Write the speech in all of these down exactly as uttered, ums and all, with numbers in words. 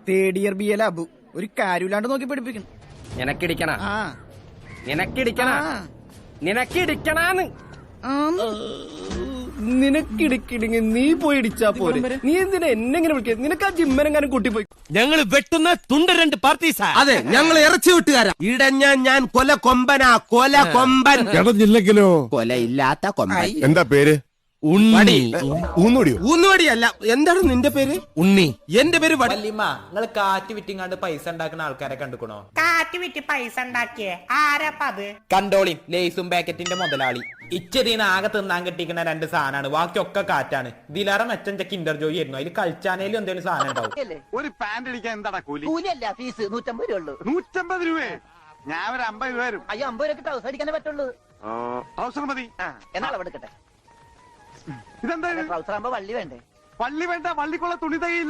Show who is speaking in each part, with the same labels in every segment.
Speaker 1: Third year B L Abu ഒരു കാര്യമില്ലാണ്ട് നോക്കി പഠിപ്പിക്കണം.
Speaker 2: നിനക്കിടിക്കണ നിനക്കിടിക്കണ നിനക്കിടിക്കണാന്ന്
Speaker 1: നിനക്കിടിക്കിടിങ്ങി നീ പോയി ഇടിച്ചാ പോരെ. നീ എന്തിനാ എന്നെ ഇങ്ങനെ വിളിക്കുക? നിനക്ക് ആ ജിമ്മനെങ്ങാനും കൂട്ടിപ്പോയി.
Speaker 3: ഞങ്ങൾ വെട്ടുന്ന തുണ്ട് രണ്ട് പാർട്ടീസാ.
Speaker 4: അതെ, ഞങ്ങൾ ഇറച്ചി വിട്ടുകാരാ. ഇടഞ്ഞ ഞാൻ കൊല കൊമ്പനാ, കൊല കൊമ്പൻ.
Speaker 5: ഇടഞ്ഞില്ലെങ്കിലോ
Speaker 4: കൊലയില്ലാത്ത കൊമ്പൻ.
Speaker 5: എന്താ പേര്?
Speaker 3: ഉണ്ണി.
Speaker 5: ഊന്നുവടിയോ?
Speaker 4: ഊന്നുവടിയല്ല. എന്താണ് നിന്റെ പേര്?
Speaker 3: ഉണ്ണി.
Speaker 4: എന്റെ പേര്
Speaker 6: വല്യമ്മ. നിങ്ങള് കാറ്റ് വിറ്റിങ്ങാണ്ട് പൈസ ഉണ്ടാക്കുന്ന ആൾക്കാരെ കണ്ടുക്കണോ?
Speaker 7: കാറ്റ് വിറ്റ് പൈസ ഉണ്ടാക്കിയേ ആരാപ്പത്?
Speaker 6: കണ്ടോളി, ലേസും പാക്കറ്റിന്റെ മുതലാളി. ഇച്ചതീന്ന് ആകെ തിന്നാൻ കിട്ടിക്കുന്ന രണ്ട് സാധനമാണ്, ബാക്കിയൊക്കെ കാറ്റാണ്. ഇതിലാറെ മെച്ചം കിൻഡർ ജോയി ആയിരുന്നു. അതിൽ കളിച്ചാനേലും എന്തെങ്കിലും സാധനം ഉണ്ടാവും.
Speaker 8: ഒരു പാന്റ് അടിക്കാൻ എന്താടാ കൂലി?
Speaker 7: കൂലിയല്ല, ഫീസ് നൂറ്റമ്പത് രൂപ ഉള്ളൂ.
Speaker 8: നൂറ്റമ്പത് രൂപയെ ഞാൻ ഒരു അമ്പത് രൂപ വരും.
Speaker 7: അയ്യോ, അമ്പത് രൂപ ട്രൗസർ അടിക്കാനേ പറ്റുള്ളൂ.
Speaker 8: ട്രൗസർ മതി.
Speaker 7: എന്നാൽ എടുക്കട്ടെ.
Speaker 8: ഇതെന്താ?
Speaker 7: ട്രൗസർ ആകുമ്പോ വള്ളി വേണ്ടേ?
Speaker 8: വള്ളി വേണ്ട, വള്ളിക്കുള്ള തുണി തകയില്ല.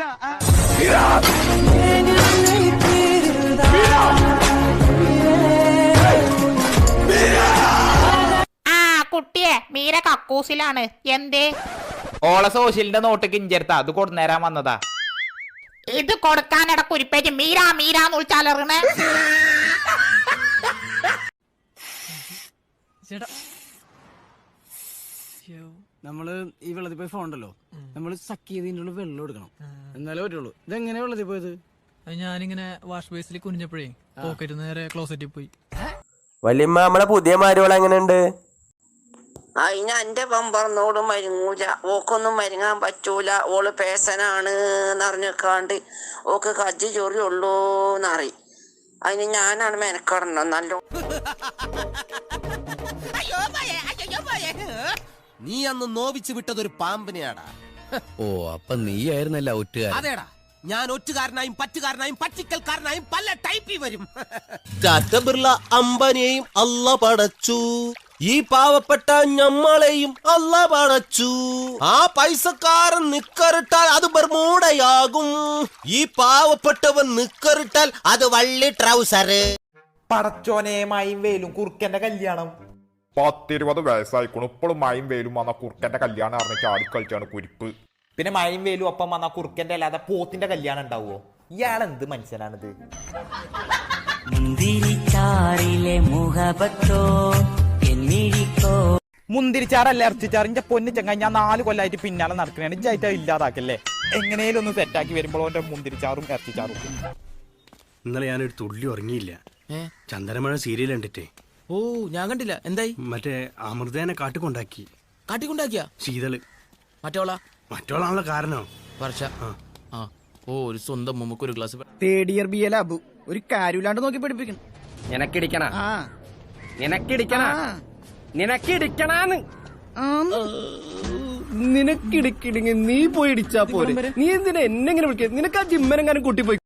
Speaker 7: ആ കുട്ടിയെ മീര കക്കൂസിലാണ്. എന്തേ?
Speaker 6: ഓള സോഷ്യലിന്റെ നോട്ട് കിഞ്ചെടുത്ത അത് കൊടുന്നേരാൻ വന്നതാ.
Speaker 7: ഇത് കൊടുക്കാനിട കുരിപ്പേറ്റ് മീരാ മീരാന്ന് വിളിച്ചാലറിണേ.
Speaker 1: നമ്മള് ഈ വെള്ളത്തിൽ പോയി ഫോണ്ടല്ലോ, നമ്മള് സക്ക് ചെയ്തതിനുള്ള വെള്ളം എടുക്കണം, എന്നാലേ പറ്റുള്ളൂ. ഇതെങ്ങനെ വെള്ളത്തിൽ പോയത്?
Speaker 9: ഞാനിങ്ങനെ വാഷ് ബേസിൽ കുനിഞ്ഞപ്പോഴേ പോക്കറ്റ് നേരെ ക്ലോസറ്റിൽ പോയി.
Speaker 4: വല്യമ്മ, നമ്മളെ പുതിയ മാരുകൾ എങ്ങനെയുണ്ട്?
Speaker 10: അതിന് എന്റെ പമ്പറന്നോട് മരുങ്ങൂല, ഓക്കൊന്നും മരുങ്ങാൻ പറ്റൂല. ഓള് പേസനാണ് എന്നറിഞ്ഞേക്കാണ്ട് ഓക്ക് കജ്ജി ചൊറിയുള്ളൂന്നറി. അതിന് ഞാനാണ് മെനക്കെടണം നല്ലോ.
Speaker 4: നീ അന്ന് നോവിച്ചു വിട്ടതൊരു പാമ്പിനെയാടാ.
Speaker 3: ഓ, അപ്പൊ നീയായിരുന്നല്ല ഒറ്റുകാരൻ.
Speaker 4: അതേടാ, ഞാൻ ഒറ്റുകാരനായും പറ്റുകാരനായും പറ്റിക്കൽക്കാരനായും പല ടൈപ്പിൽ വരും. ടാറ്റ ബിർള അംബാനിയെയും അല്ല പടച്ചു, ഈ പാവപ്പെട്ട ഞമ്മളെയും അല്ല പടച്ചു. ആ പൈസക്കാരൻ നിക്കറിട്ടാൽ അത് ബർമൂടയാകും, ഈ പാവപ്പെട്ടവൻ നിക്കറിട്ടാൽ അത് വള്ളി ട്രൗസർ.
Speaker 6: പടച്ചോനെ, മയും വേലും കുറുക്കന്റെ കല്യാണം.
Speaker 11: പത്തിരുപത് വയസ്സായിക്കണു, ഇപ്പോഴും മയും വേലും വന്ന കുറുക്കന്റെ കല്യാണം അറിഞ്ഞ ചാടിക്കളിച്ചാണ് കുരിപ്പ്.
Speaker 6: പിന്നെ മയും വേലും ഒപ്പം വന്ന കുറുക്കന്റെ അല്ലാതെ പോത്തിന്റെ കല്യാണം ഉണ്ടാവുമോ? ഇയാളെന്ത് മനുഷ്യനാണിത്? മുന്തിരിച്ചാറല്ല ഇറച്ചിച്ചാറിന്റെ പൊന്നു ചങ്ങായി, ഞാൻ നാല് കൊല്ലായിട്ട് പിന്നാലെ നടക്കണേ. ഇജായിട്ട് ഇല്ലാതാക്കല്ലേ. എങ്ങനെയും ഒന്ന് സെറ്റാക്കി വരുമ്പോൾ ഓന്റെ മുന്തിരിച്ചാറും ഇറച്ചിച്ചാറും.
Speaker 3: ഇന്നലെ ഞാനൊരു തുള്ളി ഉറങ്ങിയില്ല. ചന്ദനമഴ സീരിയൽ കണ്ടിട്ടേ.
Speaker 9: ഓ, ഞാൻ കണ്ടില്ല. എന്തായി?
Speaker 3: മറ്റേ അമൃതേനെ കാട്ടിക്കൊണ്ടാക്കി.
Speaker 9: കാട്ടിക്കൊണ്ടാക്കിയ
Speaker 3: ശീതള്
Speaker 9: മറ്റോളാ
Speaker 3: മറ്റോളാണല്ലോ കാരണോ?
Speaker 9: വർഷ. ആ, ഓ, ഒരു സ്വന്തം മുമ്പ് ഒരു glass.
Speaker 1: Third year B L Abu ഒരു കാര്യമില്ലാണ്ട് നോക്കി പഠിപ്പിക്കണം.
Speaker 2: നിനക്കിടിക്കണ നിനക്കിടിക്കണ നിനക്കിടിക്കണാന്ന്
Speaker 1: നിനക്കിടിക്കിടിങ്ങി നീ പോയി ഇടിച്ചാ പോരെ. നീ എന്തിനാ എന്നെ ഇങ്ങനെ വിളിക്കുക? നിനക്ക് ആ ജിമ്മനെങ്ങാനും കൂട്ടിപ്പോയി.